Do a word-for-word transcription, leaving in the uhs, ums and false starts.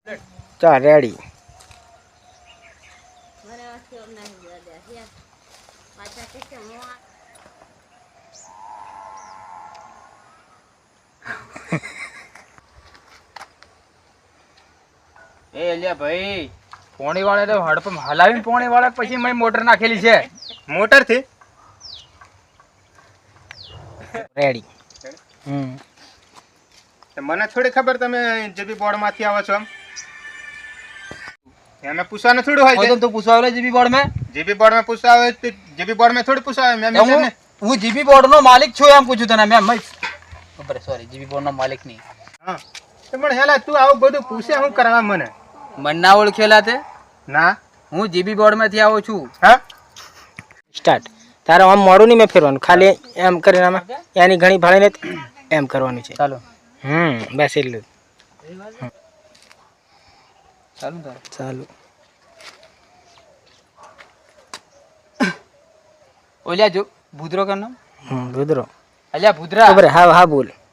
ચાલ રેડી. એ અલ્યા ભાઈ પોણી વાળા તો હડપમ હલાવીને પોણી વાળા પછી મેં મોટર નાખેલી છે. મોટર થી રેડી. હમ મને થોડી ખબર તમે જેબી બોર્ડ માંથી આવો છો. એમ પૂછવાનું થોડું હોય છે. તો પૂછવા આવેલો જીબી બોર્ડ માં જેબી બોર્ડ માં પૂછવા આવે તો જેબી બોર્ડ માં થોડી પૂછવા આવે. મેં હું હું જીબી બોર્ડ નો માલિક છું એમ પૂછું તને મેમ. બરાબર સોરી જીબી બોર્ડ નો માલિક નહીં. હા તો પણ હેલા તું આવું બધું પૂછે હું કરવા મને મને ના ઓળખેલા તે ના. હું જીબી બોર્ડ માંથી આવું છું. હા સ્ટાર્ટ. તારે આમ મોડું નહીં મેં ફેરવાનું, ખાલી એમ કરીને આમાં એની ઘણી ભાળીને એમ કરવાનું છે. ચાલો હમ બસ એટલું ચાલુ તાર ચાલુ. ઓલ્યા જો ભૂદરો કર નામ. હમ રુદ્રો અલ્યા ભૂદરા ખબર. હા હા બોલ.